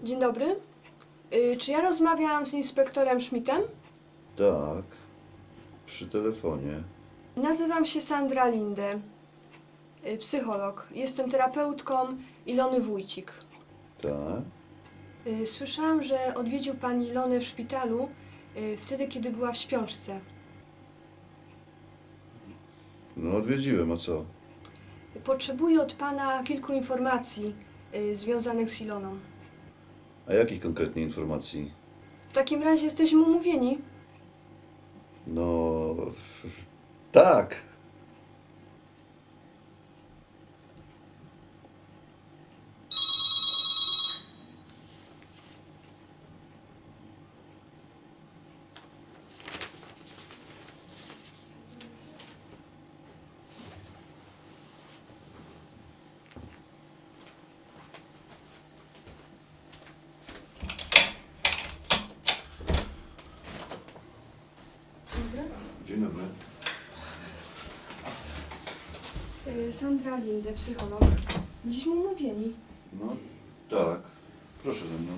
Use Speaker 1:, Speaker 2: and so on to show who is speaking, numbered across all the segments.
Speaker 1: Dzień dobry. Czy ja rozmawiam z inspektorem Schmidtem?
Speaker 2: Tak, przy telefonie.
Speaker 1: Nazywam się Sandra Linde, psycholog. Jestem terapeutką Ilony Wójcik.
Speaker 2: Tak?
Speaker 1: Słyszałam, że odwiedził pan Ilonę w szpitalu wtedy, kiedy była w śpiączce.
Speaker 2: No odwiedziłem, a co?
Speaker 1: Potrzebuję od pana kilku informacji związanych z Iloną.
Speaker 2: A jakich konkretnie informacji?
Speaker 1: W takim razie jesteśmy umówieni.
Speaker 2: No... tak! Dzień dobry.
Speaker 1: Sandra Linde, psycholog. Byliśmy umówieni.
Speaker 2: No tak, proszę ze mną.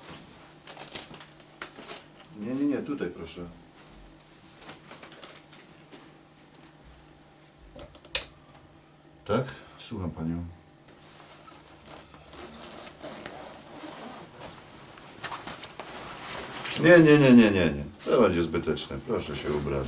Speaker 2: Nie, tutaj proszę. Tak? Słucham panią. Nie. To będzie zbyteczne. Proszę się ubrać.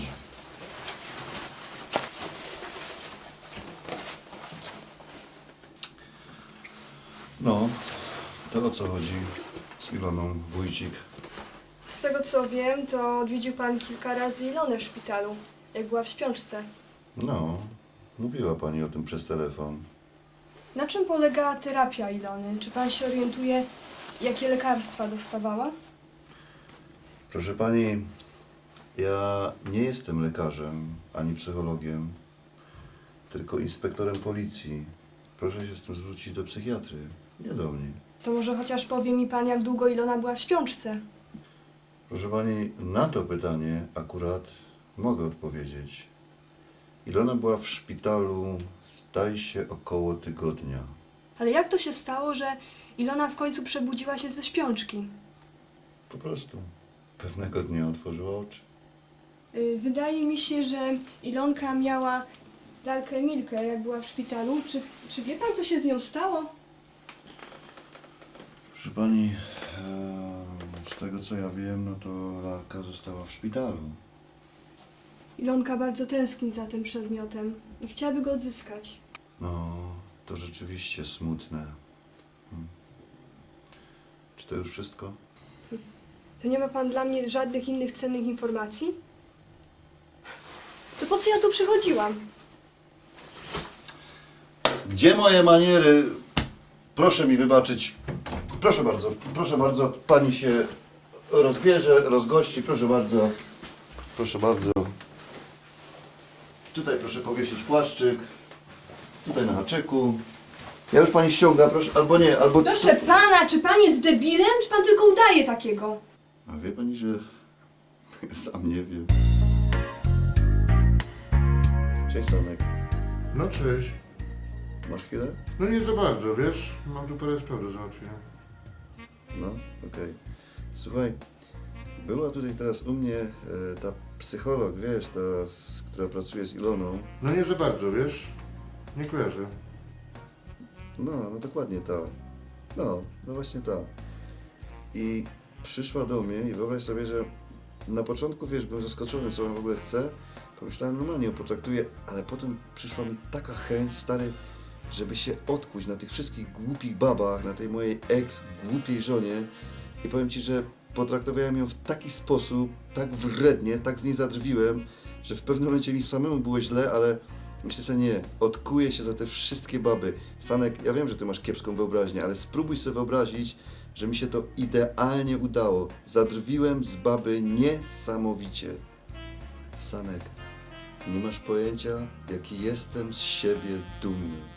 Speaker 2: No, to o co chodzi z Iloną Wójcik?
Speaker 1: Z tego co wiem, to odwiedził pan kilka razy Ilonę w szpitalu, jak była w śpiączce.
Speaker 2: No, mówiła pani o tym przez telefon.
Speaker 1: Na czym polegała terapia Ilony? Czy pan się orientuje, jakie lekarstwa dostawała?
Speaker 2: Proszę pani, ja nie jestem lekarzem ani psychologiem, tylko inspektorem policji. Proszę się z tym zwrócić do psychiatry, nie do mnie.
Speaker 1: To może chociaż powie mi pan, jak długo Ilona była w śpiączce?
Speaker 2: Proszę pani, na to pytanie akurat mogę odpowiedzieć. Ilona była w szpitalu, zdaje się, około tygodnia.
Speaker 1: Ale jak to się stało, że Ilona w końcu przebudziła się ze śpiączki?
Speaker 2: Po prostu pewnego dnia otworzyła oczy.
Speaker 1: Wydaje mi się, że Ilonka miała lalkę Milkę, jak była w szpitalu. Czy wie pan, co się z nią stało?
Speaker 2: Proszę pani, z tego co ja wiem, no to lalka została w szpitalu.
Speaker 1: Ilonka bardzo tęskni za tym przedmiotem i chciałaby go odzyskać.
Speaker 2: No, to rzeczywiście smutne. Czy to już wszystko?
Speaker 1: To nie ma pan dla mnie żadnych innych cennych informacji? To po co ja tu przychodziłam?
Speaker 2: Gdzie moje maniery? Proszę mi wybaczyć. Proszę bardzo, pani się rozbierze, rozgości, proszę bardzo. Proszę bardzo. Tutaj proszę powiesić płaszczyk. Tutaj na haczyku. Ja już pani ściągam, proszę, albo nie, albo...
Speaker 1: Proszę pana, czy pan jest debilem, czy pan tylko udaje takiego?
Speaker 2: A wie pani, że sam nie wiem. Cześć, Sanek.
Speaker 3: No cześć.
Speaker 2: Masz chwilę?
Speaker 3: No nie za bardzo, wiesz? Mam tu parę spraw do załatwienia.
Speaker 2: No, okej. Słuchaj, była tutaj teraz u mnie ta psycholog, wiesz, która pracuje z Iloną.
Speaker 3: No nie za bardzo, wiesz? Nie kojarzę.
Speaker 2: No dokładnie ta. No właśnie ta. I przyszła do mnie i wyobraź sobie, że na początku, wiesz, byłem zaskoczony, co ona w ogóle chce. Pomyślałem, normalnie ją potraktuję, ale potem przyszła mi taka chęć, stary, żeby się odkuć na tych wszystkich głupich babach, na tej mojej głupiej żonie. I powiem ci, że potraktowałem ją w taki sposób, tak wrednie, tak z niej zadrwiłem, że w pewnym momencie mi samemu było źle, ale myślę sobie, nie, odkuję się za te wszystkie baby. Sanek, ja wiem, że ty masz kiepską wyobraźnię, ale spróbuj sobie wyobrazić, że mi się to idealnie udało. Zadrwiłem z baby niesamowicie. Sanek, nie masz pojęcia, jaki jestem z siebie dumny.